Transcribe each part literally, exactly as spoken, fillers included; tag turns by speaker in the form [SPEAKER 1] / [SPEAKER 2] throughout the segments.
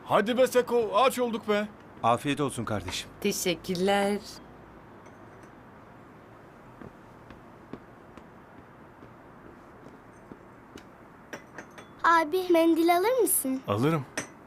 [SPEAKER 1] Hadi be Seko, aç olduk be.
[SPEAKER 2] Afiyet olsun kardeşim.
[SPEAKER 3] Teşekkürler.
[SPEAKER 4] Abi mendil alır mısın?
[SPEAKER 1] Alırım.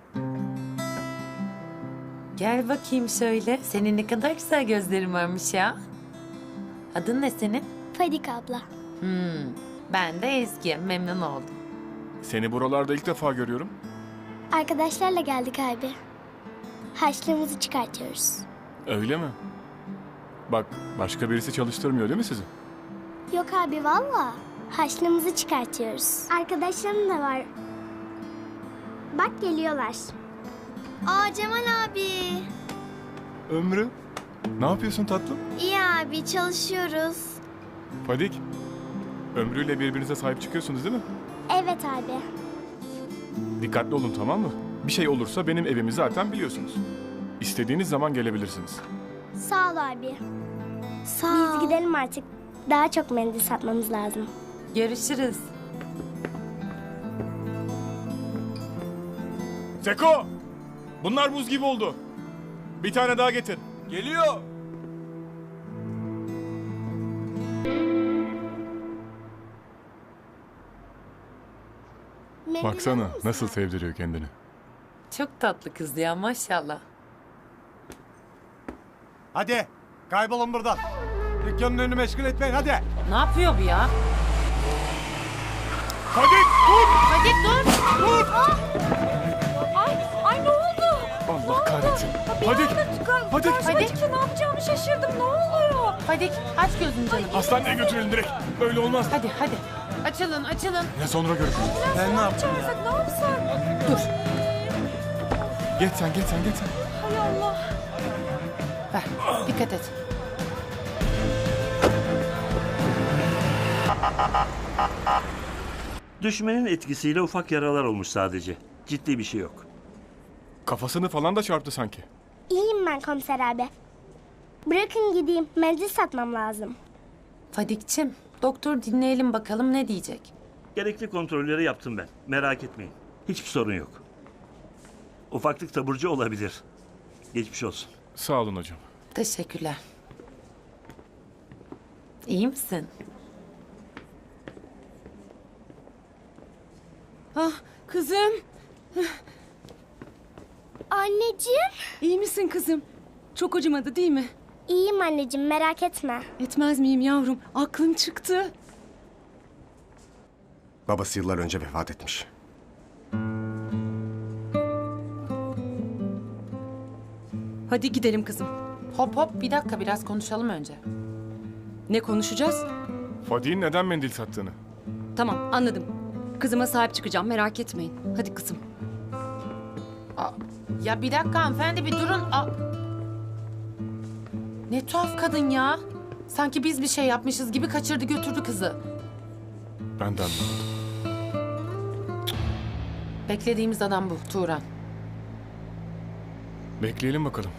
[SPEAKER 3] Gel bakayım şöyle. Senin ne kadar güzel gözlerin varmış ya. Adın ne senin?
[SPEAKER 4] Fadik abla.
[SPEAKER 3] Hmm, ben de Ezgi. Memnun oldum.
[SPEAKER 1] Seni buralarda ilk defa görüyorum.
[SPEAKER 4] Arkadaşlarla geldik abi. Harçlığımızı çıkartıyoruz.
[SPEAKER 1] Öyle mi? Bak, başka birisi çalıştırmıyor değil mi sizi?
[SPEAKER 4] Yok abi valla. Harçlığımızı çıkartıyoruz. Arkadaşlarım da var. Bak geliyorlar. Aa Cemal abi.
[SPEAKER 1] Ömrü, ne yapıyorsun tatlım?
[SPEAKER 4] İyi abi çalışıyoruz.
[SPEAKER 1] Fadik, Ömrü'yle birbirinize sahip çıkıyorsunuz değil mi?
[SPEAKER 4] Evet abi.
[SPEAKER 1] Dikkatli olun, tamam mı? Bir şey olursa benim evimi zaten biliyorsunuz. İstediğiniz zaman gelebilirsiniz.
[SPEAKER 4] Sağ ol abi. Sağ ol. Biz gidelim artık. Daha çok mendil satmamız lazım.
[SPEAKER 3] Görüşürüz.
[SPEAKER 1] Seko! Bunlar buz gibi oldu. Bir tane daha getir. Geliyor.
[SPEAKER 4] Mendil
[SPEAKER 1] Baksana
[SPEAKER 4] alır mısın?
[SPEAKER 1] nasıl sevdiriyor kendini.
[SPEAKER 3] Çok tatlı kız ya maşallah.
[SPEAKER 2] Hadi kaybolun buradan. Dükkanın önünü meşgul etmeyin hadi.
[SPEAKER 3] Ne yapıyor bu ya?
[SPEAKER 1] Fadik dur!
[SPEAKER 3] Hadi dur.
[SPEAKER 1] Dur!
[SPEAKER 5] Ay, ay ne oldu?
[SPEAKER 1] Allah kahretsin. Fadik! Fadik!
[SPEAKER 3] Fadik.
[SPEAKER 5] Ne yapacağımı şaşırdım. Ne oluyor?
[SPEAKER 3] Fadik aç gözünü canım.
[SPEAKER 1] Hastaneye götürelim direkt. Böyle olmaz.
[SPEAKER 3] Hadi hadi. Açılın açılın.
[SPEAKER 1] Ne sonra görüşürüz.
[SPEAKER 2] Ben ne yaptım ya?
[SPEAKER 5] Çağırsak ne yapsak?
[SPEAKER 3] Dur.
[SPEAKER 1] Geç sen, geç sen, geç sen.
[SPEAKER 5] Hay Allah.
[SPEAKER 3] Ver. Dikkat et.
[SPEAKER 6] Düşmenin etkisiyle ufak yaralar olmuş sadece. Ciddi bir şey yok.
[SPEAKER 1] Kafasını falan da çarptı sanki.
[SPEAKER 4] İyiyim ben komiser abi. Bırakın gideyim. Mendil satmam lazım.
[SPEAKER 3] Fadikçim, doktor dinleyelim bakalım ne diyecek.
[SPEAKER 6] Gerekli kontrolleri yaptım ben. Merak etmeyin. Hiçbir sorun yok. Ufaklık taburcu olabilir. Geçmiş olsun.
[SPEAKER 1] Sağ olun hocam.
[SPEAKER 3] Teşekkürler. İyi misin?
[SPEAKER 5] Ah kızım.
[SPEAKER 4] Anneciğim.
[SPEAKER 5] İyi misin kızım? Çok acımadı değil mi?
[SPEAKER 4] İyiyim anneciğim merak etme.
[SPEAKER 5] Etmez miyim yavrum? Aklım çıktı.
[SPEAKER 7] Babası yıllar önce vefat etmiş.
[SPEAKER 5] Hadi gidelim kızım.
[SPEAKER 3] Hop hop bir dakika biraz konuşalım önce.
[SPEAKER 5] Ne konuşacağız?
[SPEAKER 1] Fadik'in neden mendil sattığını.
[SPEAKER 5] Tamam anladım. Kızıma sahip çıkacağım merak etmeyin. Hadi kızım.
[SPEAKER 3] Aa, ya bir dakika hanımefendi bir durun. Aa. Ne tuhaf kadın ya. Sanki biz bir şey yapmışız gibi kaçırdı götürdü kızı.
[SPEAKER 1] Ben de anlamadım.
[SPEAKER 3] Beklediğimiz adam bu Turan.
[SPEAKER 1] Bekleyelim bakalım.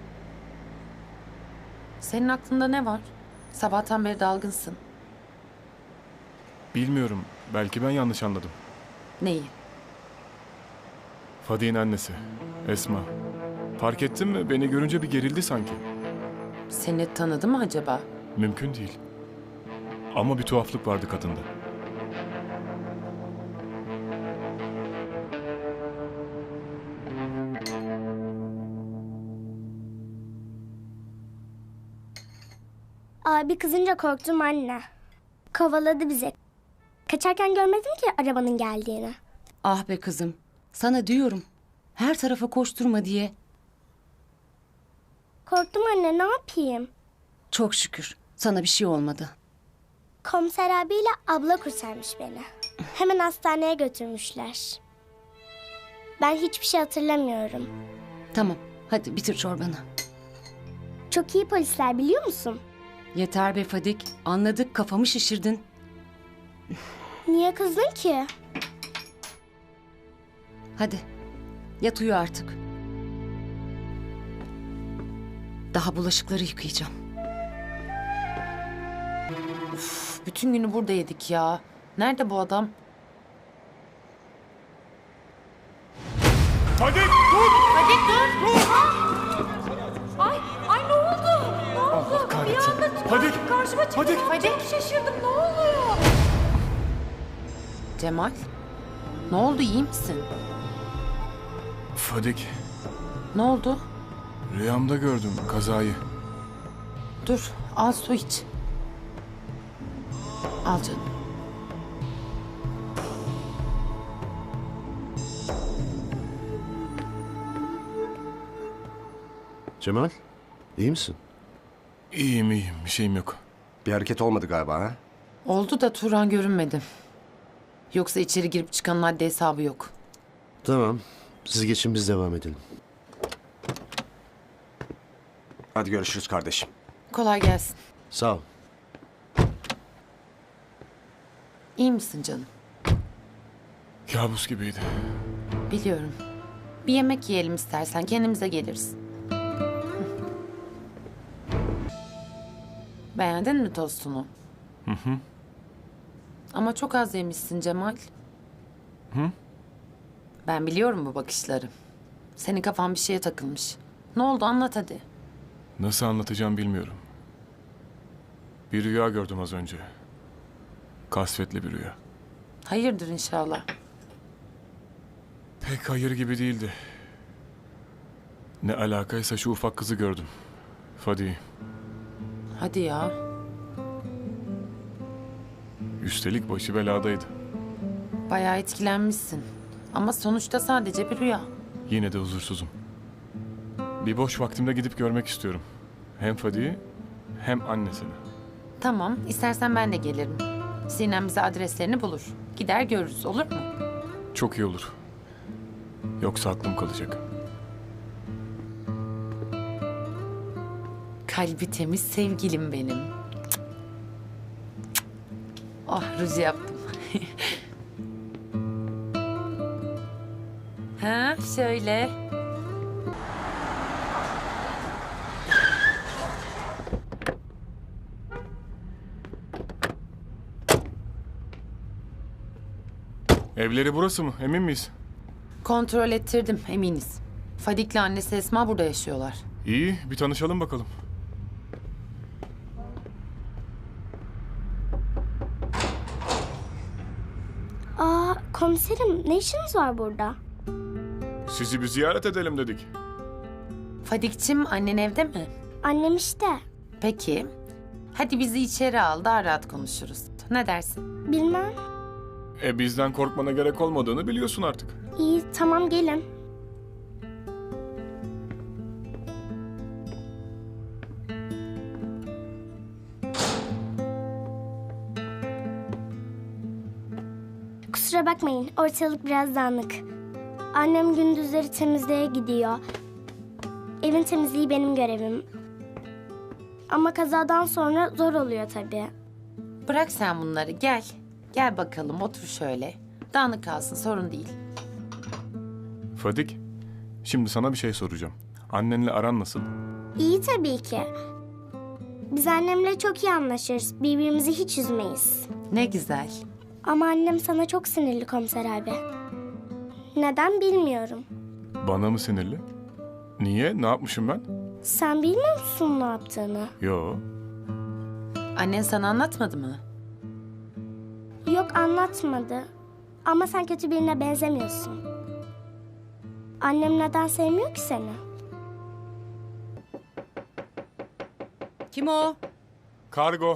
[SPEAKER 3] Senin aklında ne var? Sabahtan beri dalgınsın.
[SPEAKER 1] Bilmiyorum. Belki ben yanlış anladım.
[SPEAKER 3] Neyi?
[SPEAKER 1] Fadik'in annesi. Esma. Fark ettin mi? Beni görünce bir gerildi sanki.
[SPEAKER 3] Seni tanıdı mı acaba?
[SPEAKER 1] Mümkün değil. Ama bir tuhaflık vardı kadında.
[SPEAKER 4] Abi kızınca korktum anne. Kovaladı bizi. Kaçarken görmedim ki arabanın geldiğini.
[SPEAKER 5] Ah be kızım. Sana diyorum. Her tarafa koşturma diye.
[SPEAKER 4] Korktum anne ne yapayım?
[SPEAKER 5] Çok şükür. Sana bir şey olmadı.
[SPEAKER 4] Komiser abiyle abla kurtarmış beni. Hemen hastaneye götürmüşler. Ben hiçbir şey hatırlamıyorum.
[SPEAKER 5] Tamam. Hadi bitir çorbanı.
[SPEAKER 4] Çok iyi polisler biliyor musun?
[SPEAKER 5] Yeter be Fadik. Anladık kafamı şişirdin.
[SPEAKER 4] Niye kızdın ki?
[SPEAKER 5] Hadi. Yat uyu artık. Daha bulaşıkları yıkayacağım.
[SPEAKER 3] Üf, bütün günü burada yedik ya. Nerede bu adam?
[SPEAKER 1] Fadik dur!
[SPEAKER 3] Fadik dur.
[SPEAKER 8] Ay, ay ne oldu? Ne oldu?
[SPEAKER 1] Allah kahretsin.
[SPEAKER 8] Bir anda
[SPEAKER 1] Fadik!
[SPEAKER 8] karşıma çıktı.
[SPEAKER 1] Fadik!
[SPEAKER 3] Fadik.
[SPEAKER 8] Şaşırdım, ne oluyor?
[SPEAKER 3] Cemal. Ne oldu, iyi misin?
[SPEAKER 1] Fadik,
[SPEAKER 3] Ne oldu?
[SPEAKER 1] rüyamda gördüm kazayı.
[SPEAKER 3] Dur, al su iç. Al canım.
[SPEAKER 7] Cemal, iyi misin?
[SPEAKER 1] İyiyim iyiyim, bir şeyim yok.
[SPEAKER 7] Bir hareket olmadı galiba ha?
[SPEAKER 3] Oldu da Turan görünmedi. Yoksa içeri girip çıkanın haddi hesabı yok.
[SPEAKER 9] Tamam. Siz geçin biz devam edelim.
[SPEAKER 7] Hadi görüşürüz kardeşim.
[SPEAKER 3] Kolay gelsin.
[SPEAKER 9] Sağ ol.
[SPEAKER 3] İyi misin canım?
[SPEAKER 1] Kabus gibiydi.
[SPEAKER 3] Biliyorum. Bir yemek yiyelim istersen, kendimize geliriz. Hı. Beğendin mi tostunu?
[SPEAKER 1] Hı hı.
[SPEAKER 3] Ama çok az yemişsin Cemal.
[SPEAKER 1] Hı?
[SPEAKER 3] Ben biliyorum bu bakışları. Senin kafan bir şeye takılmış. Ne oldu, anlat hadi.
[SPEAKER 1] Nasıl anlatacağım bilmiyorum. Bir rüya gördüm az önce. Kasvetli bir rüya.
[SPEAKER 3] Hayırdır inşallah.
[SPEAKER 1] Pek hayır gibi değildi. Ne alakaysa şu ufak kızı gördüm. Fadi.
[SPEAKER 3] Hadi ya.
[SPEAKER 1] Üstelik başı beladaydı.
[SPEAKER 3] Bayağı etkilenmişsin. Ama sonuçta sadece bir rüya.
[SPEAKER 1] Yine de huzursuzum. Bir boş vaktimde gidip görmek istiyorum. Hem Fadi'yi hem annesini.
[SPEAKER 3] Tamam, istersen ben de gelirim. Sinem bize adreslerini bulur. Gider görürüz, olur mu?
[SPEAKER 1] Çok iyi olur. Yoksa aklım kalacak.
[SPEAKER 3] Kalbi temiz sevgilim benim. Cık. Cık. Oh, ruj yaptım. Ha, şöyle.
[SPEAKER 1] Evleri burası mı? Emin miyiz?
[SPEAKER 3] Kontrol ettirdim, eminiz. Fadik'le annesi Esma burada yaşıyorlar.
[SPEAKER 1] İyi, bir tanışalım bakalım.
[SPEAKER 4] Aa komiserim ne işiniz var burada?
[SPEAKER 1] Sizi bir ziyaret edelim dedik.
[SPEAKER 3] Fadik'cim, annen evde mi?
[SPEAKER 4] Annem işte.
[SPEAKER 3] Peki. Hadi bizi içeri al, daha rahat konuşuruz. Ne dersin?
[SPEAKER 4] Bilmem.
[SPEAKER 1] E bizden korkmana gerek olmadığını biliyorsun artık.
[SPEAKER 4] İyi tamam gelin. Kusura bakmayın ortalık biraz dağınık. Annem gündüzleri temizliğe gidiyor. Evin temizliği benim görevim. Ama kazadan sonra zor oluyor tabii.
[SPEAKER 3] Bırak sen bunları, gel. Gel bakalım, otur şöyle. Dağınık kalsın, sorun değil.
[SPEAKER 1] Fadik, şimdi sana bir şey soracağım. Annenle aran nasıl?
[SPEAKER 4] İyi tabii ki. Biz annemle çok iyi anlaşırız. Birbirimizi hiç üzmeyiz.
[SPEAKER 3] Ne güzel.
[SPEAKER 4] Ama annem sana çok sinirli komiser abi. Neden bilmiyorum.
[SPEAKER 1] Bana mı sinirli? Niye? Ne yapmışım ben?
[SPEAKER 4] Sen bilmiyor musun ne yaptığını?
[SPEAKER 1] Yo.
[SPEAKER 3] Annen sana anlatmadı mı?
[SPEAKER 4] Yok anlatmadı. Ama sen kötü birine benzemiyorsun. Annem neden sevmiyor ki seni?
[SPEAKER 5] Kim o?
[SPEAKER 1] Kargo.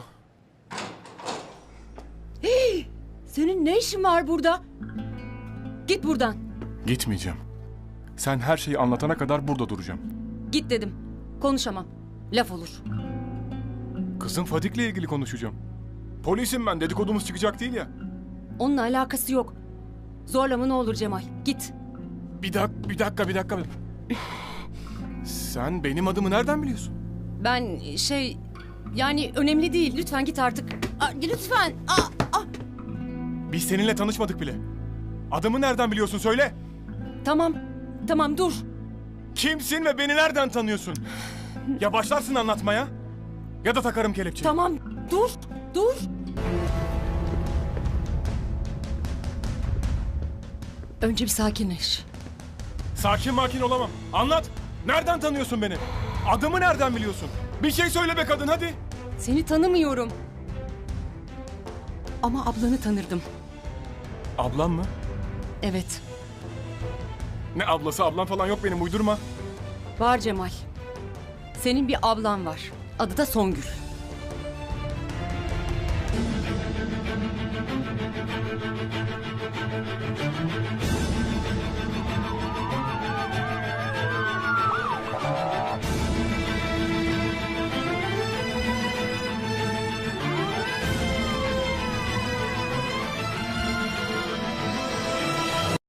[SPEAKER 5] Senin ne işin var burada? Git buradan.
[SPEAKER 1] Gitmeyeceğim. Sen her şeyi anlatana kadar burada duracağım.
[SPEAKER 5] Git dedim. Konuşamam. Laf olur.
[SPEAKER 1] Kızım Fadik'le ilgili konuşacağım. Polisim ben, dedikodumuz çıkacak değil ya.
[SPEAKER 5] Onunla alakası yok. Zorlama ne olur Cemal. Git.
[SPEAKER 1] Bir dakika, bir dakika, bir dakika. Sen benim adımı nereden biliyorsun?
[SPEAKER 5] Ben şey... Yani önemli değil. Lütfen git artık. Aa, lütfen. Aa, aa.
[SPEAKER 1] Biz seninle tanışmadık bile. Adımı nereden biliyorsun söyle.
[SPEAKER 5] Tamam. Tamam dur.
[SPEAKER 1] Kimsin ve beni nereden tanıyorsun? Ya başlarsın anlatmaya ya da takarım kelepçeyi.
[SPEAKER 5] Tamam. Dur. Dur. Önce bir sakinleş.
[SPEAKER 1] Sakin makin olamam. Anlat. Nereden tanıyorsun beni? Adımı nereden biliyorsun? Bir şey söyle be kadın hadi.
[SPEAKER 5] Seni tanımıyorum. Ama ablanı tanırdım.
[SPEAKER 1] Ablam mı?
[SPEAKER 5] Evet.
[SPEAKER 1] Ne ablası ablam falan yok benim uydurma.
[SPEAKER 5] Var Cemal. Senin bir ablan var. Adı da Songül.